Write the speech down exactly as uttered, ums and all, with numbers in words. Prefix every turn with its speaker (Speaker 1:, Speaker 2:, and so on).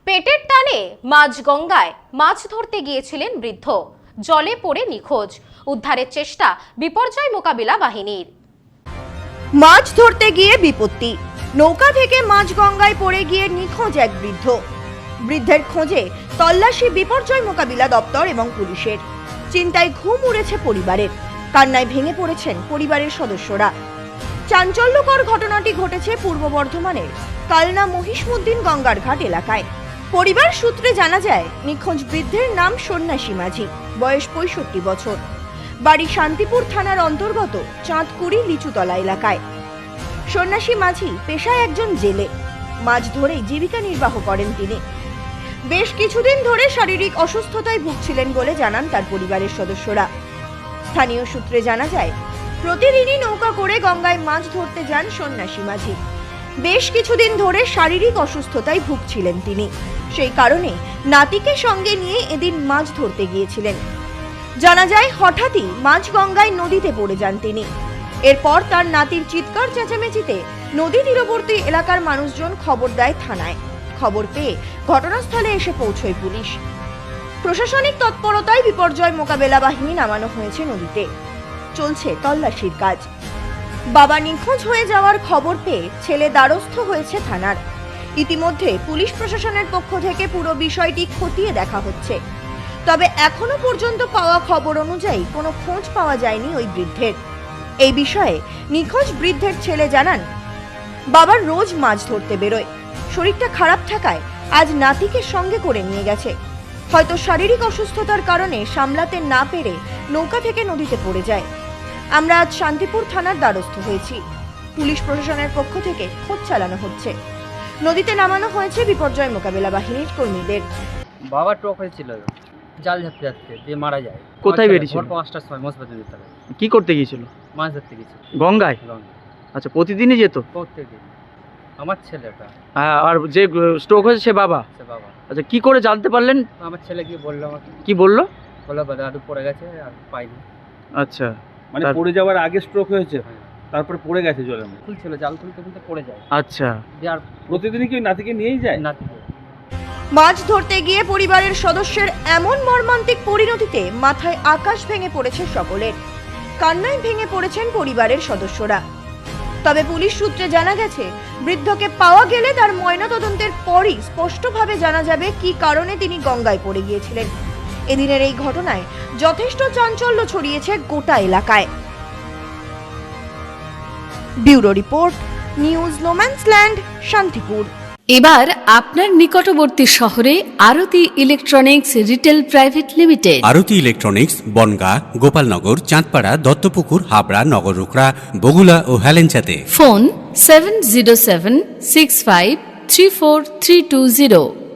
Speaker 1: পেটের টানে মাঝগঙ্গায় মাছ ধরতে গিয়েছিলেন বৃদ্ধ, জলে পড়ে নিখোঁজ। উদ্ধারের চেষ্টা বিপর্যয় মোকাবিলা বাহিনীর।
Speaker 2: মাছ ধরতে গিয়ে বিপত্তি, নৌকা থেকে মাঝগঙ্গায় পড়ে গিয়ে নিখোঁজ এক বৃদ্ধ। বৃদ্ধের খোঁজে তল্লাশি বিপর্যয় মোকাবিলা দপ্তর এবং পুলিশের। চিন্তায় ঘুম উড়েছে পরিবারের, কান্নায় ভেঙে পড়েছেন পরিবারের সদস্যরা। চাঞ্চল্যকর ঘটনাটি ঘটেছে পূর্ব বর্ধমানের কালনা মহিষমুদ্দিন গঙ্গার ঘাট এলাকায়। পরিবার সূত্রে জানা যায়, নিখোঁজ বৃদ্ধের নাম সন্ন্যাসী মাঝি, বয়স পঁয়ষট্টি বছর, বাড়ি শান্তিপুর থানার অন্তর্গত চাঁদকুড়ি লিচুতলা এলাকায়। সন্ন্যাসী মাঝি পেশায় একজন জেলে, মাছ ধরেই জীবিকা নির্বাহ করেন তিনি। বেশ কিছুদিন ধরে শারীরিক অসুস্থতায় ভুগছিলেন বলে জানান তার পরিবারের সদস্যরা। স্থানীয় সূত্রে জানা যায়, প্রতিদিনই নৌকা করে গঙ্গায় মাছ ধরতে যান সন্ন্যাসী মাঝি। বেশ কিছুদিন ধরে শারীরিক অসুস্থতায় ভুগছিলেন তিনি, সেই কারণে নাতিকে সঙ্গে নিয়ে এদিন মাছ ধরতে গিয়েছিলেন। জানা যায়, হঠাৎই মাঝ গঙ্গায় নদীতে পড়ে যান তিনি। এরপর তার নাতির চিৎকার চেঁচামেচিতে নদী তীরবর্তী এলাকার মানুষজন খবর দেয় থানায়। খবর পেয়ে ঘটনাস্থলে এসে পৌঁছয় পুলিশ। প্রশাসনিক তৎপরতায় বিপর্যয় মোকাবেলা বাহিনী নামানো হয়েছে নদীতে। চলছে তল্লাশির কাজ। বাবা নিখোঁজ হয়ে যাওয়ার খবর পেয়ে ছেলে দ্বারস্থ হয়েছে থানার। ইতিমধ্যে পুলিশ প্রশাসনের পক্ষ থেকে পুরো বিষয়টি খতিয়ে দেখা হচ্ছে। তবে এখনো পর্যন্ত পাওয়া খবর অনুযায়ী কোনো খোঁজ পাওয়া যায়নি ওই বৃদ্ধের। এই বিষয়ে নিখোঁজ বৃদ্ধের ছেলে জানান, বাবার রোজ মাছ ধরতে বেরোয়, শরীরটা খারাপ থাকায় আজ নাতিকে সঙ্গে করে নিয়ে গেছে। হয়তো শারীরিক অসুস্থতার কারণে সামলাতে না পেরে নৌকা থেকে নদীতে পড়ে যায়। আমরা আজ শান্তিপুর থানার দ্বারস্থ হয়েছি। পুলিশ প্রশাসনের পক্ষ থেকে খোঁজ চালানো হচ্ছে। নদীতে নামানো হয়েছে বিপর্যয় মোকাবিলা বাহিনীর কর্মীদের।
Speaker 3: বাবা টক হয়েছিল, জাল ধরতে যাচ্ছে দিয়ে মারা যায়।
Speaker 4: কোথায় বেরিয়েছিল?
Speaker 3: ভোর পাঁচটার সময় মসজিদের ভিতরে।
Speaker 4: কি করতে গিয়েছিল?
Speaker 3: মাছ ধরতে গেছিল
Speaker 4: গঙ্গায়।
Speaker 3: গঙ্গায়।
Speaker 4: আচ্ছা, প্রতিদিনই যেত?
Speaker 3: প্রত্যেকদিন। আমার ছেলেটা।
Speaker 4: হ্যাঁ, আর যে স্ট্রোক হয়েছে সে বাবা?
Speaker 3: সে বাবা।
Speaker 4: আচ্ছা, কি করে জানতে পারলেন?
Speaker 3: আমার ছেলে গিয়ে বললো আমাকে।
Speaker 4: কি বললো?
Speaker 3: বললো দাদু পড়ে গেছে আর পাইনি।
Speaker 4: আচ্ছা,
Speaker 5: মানে পড়ে যাওয়ার আগে স্ট্রোক হয়েছে,
Speaker 3: হ্যাঁ।
Speaker 5: তারপরে পড়ে গেছে জলের মধ্যে।
Speaker 3: খুলছিল, জাল খুলতে খুলতে পড়ে যায়।
Speaker 4: আচ্ছা,
Speaker 3: দিয়ে আর
Speaker 5: প্রতিদিনই কি নাতিকে নিয়েই যায়?
Speaker 3: নাতিকে।
Speaker 2: মাছ ধরতে গিয়ে পরিবারের সদস্যের এমন মর্মান্তিক পরিণতিতে মাথায় আকাশ ভেঙে পড়েছে সকলের। কান্নায় ভেঙে পড়েছেন পরিবারের সদস্যরা। তবে পুলিশ সূত্রে জানা গেছে, বৃদ্ধকে পাওয়া গেলে তার ময়নাতদন্তের পরই স্পষ্টভাবে জানা যাবে কি কারণে তিনি গঙ্গায় পড়ে গিয়েছিলেন। এদিনের এই ঘটনায় যথেষ্ট চাঞ্চল্য ছড়িয়েছে গোটা এলাকায়। Bureau report, news no man's land, Shantipur.
Speaker 6: এবার আপনার নিকটবর্তী শহরে Arati electronics retail private limited.
Speaker 7: Arati electronics Bongaon, Gopalnagar, Chandpara, Duttapukur, Habra, Nagarukra, Bagula ও হেলেঞ্চাতে।
Speaker 6: Phone seven zero seven six five three four three two zero.